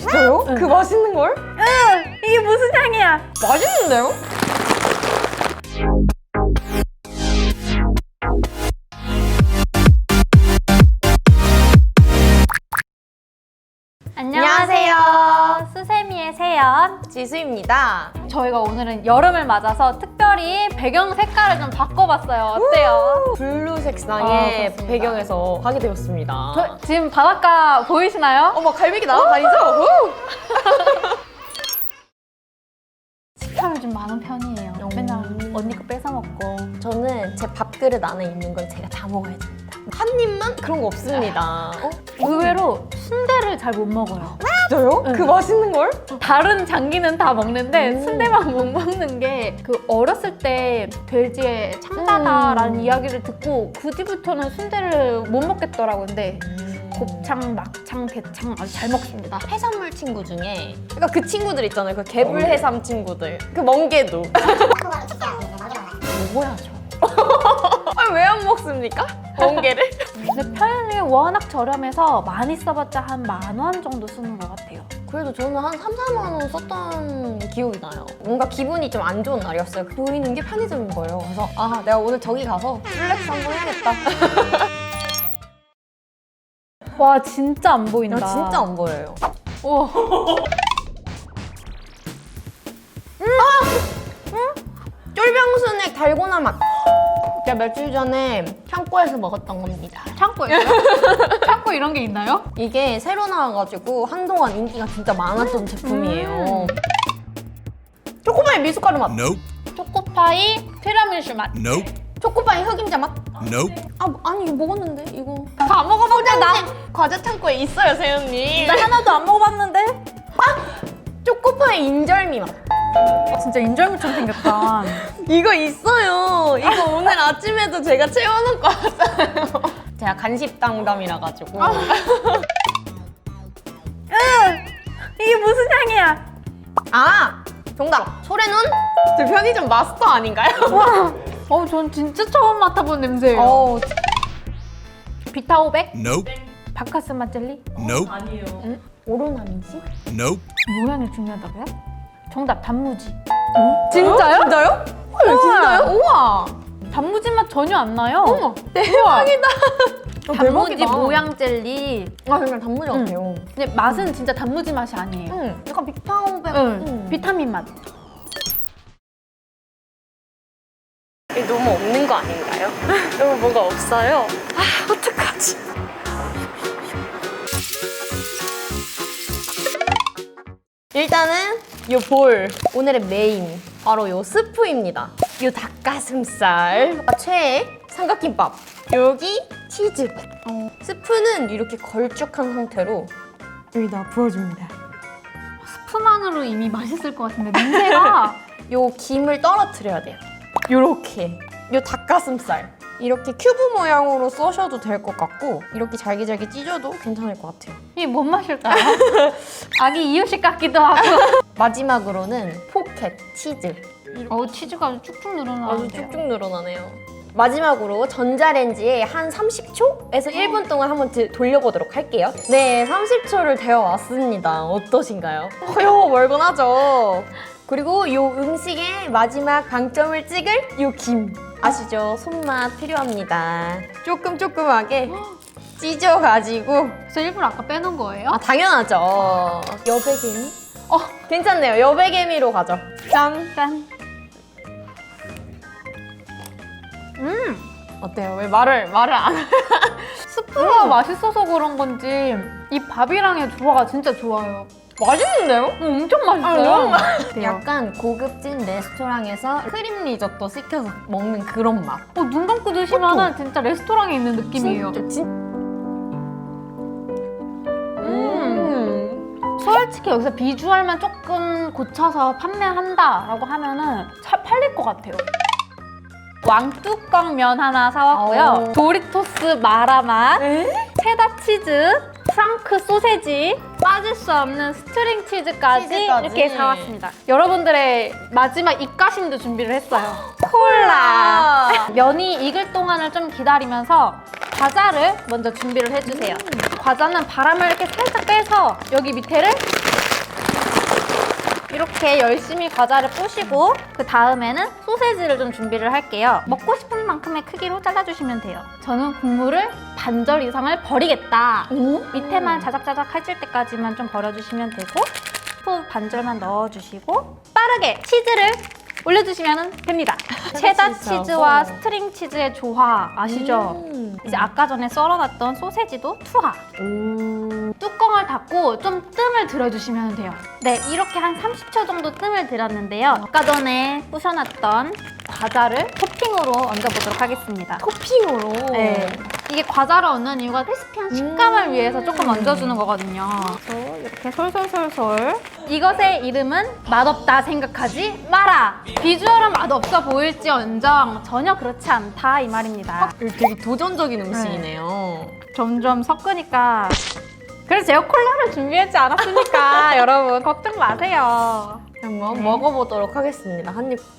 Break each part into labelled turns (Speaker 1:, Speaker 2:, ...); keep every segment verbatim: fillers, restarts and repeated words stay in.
Speaker 1: 진짜요?
Speaker 2: 응.
Speaker 1: 그 맛있는 걸?
Speaker 2: 응! 이게 무슨 향이야?
Speaker 1: 맛있는데요?
Speaker 2: 안녕하세요. 수세미의 세연.
Speaker 1: 지수입니다.
Speaker 2: 저희가 오늘은 여름을 맞아서 특별히 배경 색깔을 좀 바꿔봤어요. 어때요?
Speaker 1: 블루
Speaker 2: 아,
Speaker 1: 색상의
Speaker 2: 그렇습니다.
Speaker 1: 배경에서 하게 되었습니다.
Speaker 2: 저, 지금 바닷가 보이시나요?
Speaker 1: 어머, 갈매기 날아다니죠?
Speaker 2: 식탐이 좀 많은 편이에요.
Speaker 1: 음.
Speaker 2: 맨날 언니 거 뺏어 먹고.
Speaker 1: 저는 제 밥그릇 안에 있는 건 제가 다 먹어야 됩니다. 한 입만 그런 거 없습니다. 어?
Speaker 2: 의외로 순대를 잘 못 먹어요.
Speaker 1: 진짜요?
Speaker 2: 응.
Speaker 1: 그 맛있는 걸?
Speaker 2: 다른 장기는 다 먹는데
Speaker 1: 음.
Speaker 2: 순대만 못 먹는 게 그 어렸을 때 돼지의 창자다라는
Speaker 1: 음.
Speaker 2: 이야기를 듣고 그 뒤부터는 순대를 못 먹겠더라고요. 근데 곱창, 막창, 대창 아주 잘 먹습니다.
Speaker 1: 해산물 친구 중에 그러니까 그 친구들 있잖아요. 그 개불해삼 친구들. 그 멍게도.
Speaker 2: 먹어야죠.
Speaker 1: 아, 왜 안 먹습니까? 멍게를?
Speaker 2: 근데 편이 워낙 저렴해서 많이 써봤자 한 만 원 정도 쓰는 것 같아요.
Speaker 1: 그래도 저는 한 삼, 사만 원 썼던 기억이 나요. 뭔가 기분이 좀 안 좋은 날이었어요. 보이는 게 편의점인 거예요. 그래서 아, 내가 오늘 저기 가서 플렉스 한번 해야겠다.
Speaker 2: 와 진짜 안 보인다.
Speaker 1: 나 진짜 안 보여요.
Speaker 2: 우와.
Speaker 1: 쫄병순액 달고나 맛. 제가 며칠 전에 창고에서 먹었던 겁니다.
Speaker 2: 창고예요? 창고 이런 게 있나요?
Speaker 1: 이게 새로 나와가지고 한동안 인기가 진짜 많았던 제품이에요. 초코파이 미숫가루 맛.
Speaker 3: Nope.
Speaker 2: 초코파이 티라미슈 맛.
Speaker 3: Nope.
Speaker 1: 초코파이 흑임자 맛.
Speaker 3: Nope.
Speaker 1: 아, 아니 이거 먹었는데 이거.
Speaker 2: 다 먹어봤는데 나,
Speaker 1: 과자 창고에 있어요, 세연님.
Speaker 2: 나 하나도 안 먹어봤는데?
Speaker 1: 초코파이 인절미 맛.
Speaker 2: 진짜 인절미처럼 생겼다.
Speaker 1: 이거 있어요. 이거 오늘 아침에도 제가 채워놓고 왔어요. 제가 간식 당담이라 가지고.
Speaker 2: 이게 무슨 향이야?
Speaker 1: 아, 정답. 소래눈? 저 편의점 마스터 아닌가요?
Speaker 2: 와, 어, 전 진짜 처음 맡아본 냄새예요.
Speaker 1: 어,
Speaker 2: 비타오백?
Speaker 3: Nope.
Speaker 2: 바카스 맛 젤리?
Speaker 3: Nope.
Speaker 1: 오로나민씨?
Speaker 3: Nope.
Speaker 2: 모양이 중요하다고요? 정답, 단무지.
Speaker 1: 진짜요? 진짜요? 헐, 진짜요? 우와.
Speaker 2: 단무지 맛 전혀 안 나요.
Speaker 1: 어머, 대박이다.
Speaker 2: 단무지 모양 젤리.
Speaker 1: 아, 그냥 단무지
Speaker 2: 응.
Speaker 1: 같아요.
Speaker 2: 근데 맛은 진짜 단무지 맛이 아니에요.
Speaker 1: 응, 약간 비타오백.
Speaker 2: 응.
Speaker 1: 응.
Speaker 2: 비타민 맛.
Speaker 1: 이게 너무 없는 거 아닌가요? 너무 뭐가 없어요? 아, 어떡하지? 일단은 요 볼, 오늘의 메인 바로 요 스프입니다. 요 닭가슴살, 아, 최애 삼각김밥, 여기 치즈. 어, 스프는 이렇게 걸쭉한 상태로 여기다 부어줍니다.
Speaker 2: 스프만으로 이미 맛있을 것 같은데 냄새가.
Speaker 1: 요 김을 떨어뜨려야 돼요. 요렇게 요 닭가슴살 이렇게 큐브 모양으로 써셔도 될 것 같고 이렇게 잘게 잘게 찢어도 괜찮을 것 같아요.
Speaker 2: 이게 뭔 맛일까요? 아기 이유식 같기도 하고.
Speaker 1: 마지막으로는 포켓 치즈.
Speaker 2: 어우, 치즈가 아주 쭉쭉
Speaker 1: 아주
Speaker 2: 늘어나는데요.
Speaker 1: 쭉쭉 늘어나네요. 마지막으로 전자레인지에 한 삼십 초에서 일 분 동안 한번 드- 돌려보도록 할게요. 네, 삼십 초를 데워왔습니다. 어떠신가요? 허여 멀건하죠? 그리고 이 음식의 마지막 방점을 찍을 이 김. 아시죠? 손맛 필요합니다. 조금 조금하게 찢어가지고.
Speaker 2: 그래서 일부러 아까 빼놓은 거예요?
Speaker 1: 아, 당연하죠. 여백개미? 어, 괜찮네요. 여백개미로 가죠. 짠!
Speaker 2: 짠. 음,
Speaker 1: 어때요? 왜 말을, 말을 안 해?
Speaker 2: 스프가 맛있어서 그런 건지 이 밥이랑의 조화가 진짜 좋아요.
Speaker 1: 맛있는데요?
Speaker 2: 어, 엄청 맛있어요.
Speaker 1: 아, 너무
Speaker 2: 맛있어요.
Speaker 1: 약간 고급진 레스토랑에서 크림 리조또 시켜서 먹는 그런 맛.
Speaker 2: 어, 눈 감고 드시면 진짜 레스토랑에 있는 느낌이에요.
Speaker 1: 진짜 진...
Speaker 2: 음. 솔직히 여기서 비주얼만 조금 고쳐서 판매한다라고 하면은 잘 팔릴 것 같아요. 왕뚜껑 면 하나 사왔고요.
Speaker 1: 오.
Speaker 2: 도리토스 마라맛,
Speaker 1: 에?
Speaker 2: 체다 치즈, 프랑크 소세지, 빠질 수 없는 스트링 치즈까지,
Speaker 1: 치즈까지.
Speaker 2: 이렇게 사왔습니다. 여러분들의 마지막 입가심도 준비를 했어요.
Speaker 1: 콜라!
Speaker 2: 면이 익을 동안을 좀 기다리면서 과자를 먼저 준비를 해주세요. 과자는 바람을 이렇게 살짝 빼서 여기 밑에를 이렇게 열심히 과자를 부시고 그 다음에는 소세지를 좀 준비를 할게요. 먹고 싶은 만큼의 크기로 잘라주시면 돼요. 저는 국물을 반절 이상을 버리겠다. 밑에만 자작자작 해질 때까지만 좀 버려주시면 되고 또 반절만 넣어주시고 빠르게 치즈를 올려주시면 됩니다. 체다
Speaker 1: 치즈하고.
Speaker 2: 치즈와 스트링 치즈의 조화 아시죠?
Speaker 1: 음.
Speaker 2: 이제 아까 전에 썰어놨던 소세지도 투하.
Speaker 1: 오.
Speaker 2: 뚜껑을 닫고 좀 뜸을 들여주시면 돼요. 네, 이렇게 한 삼십 초 정도 뜸을 들였는데요. 아까 전에 부셔놨던 과자를 토핑으로 얹어보도록 하겠습니다.
Speaker 1: 토핑으로.
Speaker 2: 네. 이게 과자를 얹는 이유가 크리스피한 식감을
Speaker 1: 음.
Speaker 2: 위해서 조금 얹어주는 거거든요. 그래서 이렇게 솔솔솔솔. 이것의 이름은 맛없다 생각하지 마라. 비주얼은 맛없어 보일지언정 전혀 그렇지 않다 이 말입니다.
Speaker 1: 되게 도전적인 음식이네요.
Speaker 2: 점점 섞으니까 그래서 제가 콜라를 준비하지 않았으니까 여러분 걱정 마세요.
Speaker 1: 한번
Speaker 2: 네.
Speaker 1: 먹어보도록 하겠습니다. 한 입.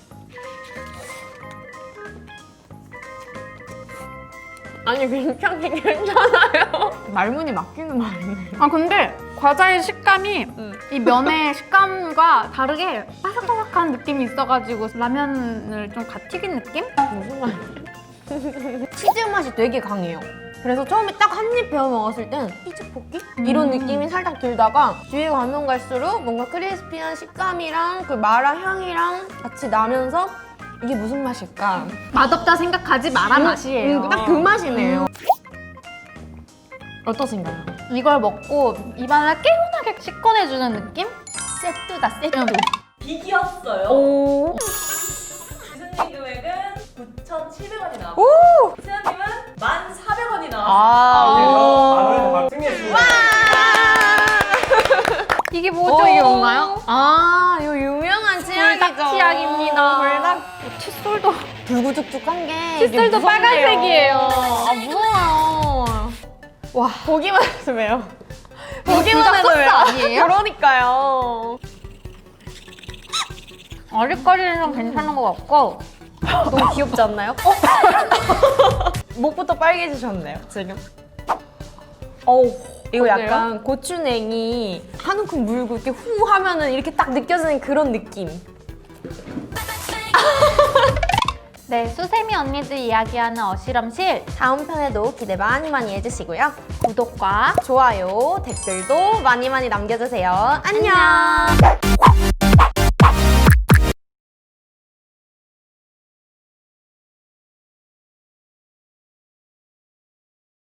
Speaker 1: 아니 굉장히 괜찮아요. 말문이 막히는 말이네.
Speaker 2: 아 근데 과자의 식감이
Speaker 1: 음.
Speaker 2: 이 면의 식감과 다르게 바삭바삭한 느낌이 있어가지고 라면을 좀 갓 튀긴 느낌?
Speaker 1: 무슨 말이야? 치즈 맛이 되게 강해요. 그래서 처음에 딱 한 입 베어 먹었을 땐 치즈 볶기? 이런
Speaker 2: 음.
Speaker 1: 느낌이 살짝 들다가 뒤에 가면 갈수록 뭔가 크리스피한 식감이랑 그 마라 향이랑 같이 나면서 이게 무슨 맛일까?
Speaker 2: 맛없다 생각하지 마라 맛이에요.
Speaker 1: 음, 딱 그 맛이네요. 어떠신가요?
Speaker 2: 이걸 먹고 입안을 개운하게 씻어내주는 느낌?
Speaker 1: 세트다 세트.
Speaker 2: 응.
Speaker 3: 비기였어요.
Speaker 1: 오.
Speaker 3: 기수님 금액은 구천칠백 원이 나왔고
Speaker 1: 오.
Speaker 3: 세연님은 만 사백 원이 나왔어요.
Speaker 1: 아.
Speaker 4: 아, 승리했습니다.
Speaker 2: 이게 뭐죠?
Speaker 1: 어, 이게 뭔가요? 아, 요 유명한 치약이죠.
Speaker 2: 불닭 치약입니다.
Speaker 1: 불닭.
Speaker 2: 칫솔도
Speaker 1: 불구죽죽한 게 이게
Speaker 2: 칫솔도
Speaker 1: 무섭네요.
Speaker 2: 빨간색이에요.
Speaker 1: 아, 무서워요.
Speaker 2: 와.
Speaker 1: 보기만 해도 왜요?
Speaker 2: 이거
Speaker 1: 보기만
Speaker 2: 불닭
Speaker 1: 해도
Speaker 2: 소스
Speaker 1: 왜요?
Speaker 2: 아니에요?
Speaker 1: 그러니까요.
Speaker 2: 아직까지는 괜찮은 것 같고
Speaker 1: 너무 귀엽지 않나요? 목부터 빨개지셨네요, 지금. 어우, 이거
Speaker 2: 어때요?
Speaker 1: 약간 고추냉이 한 움큼 물고 이렇게 후 하면은 이렇게 딱 느껴지는 그런 느낌.
Speaker 2: 네, 수세미 언니들 이야기하는 어실험실
Speaker 1: 다음 편에도 기대 많이 많이 해주시고요.
Speaker 2: 구독과
Speaker 1: 좋아요, 댓글도 많이 많이 남겨주세요. 안녕.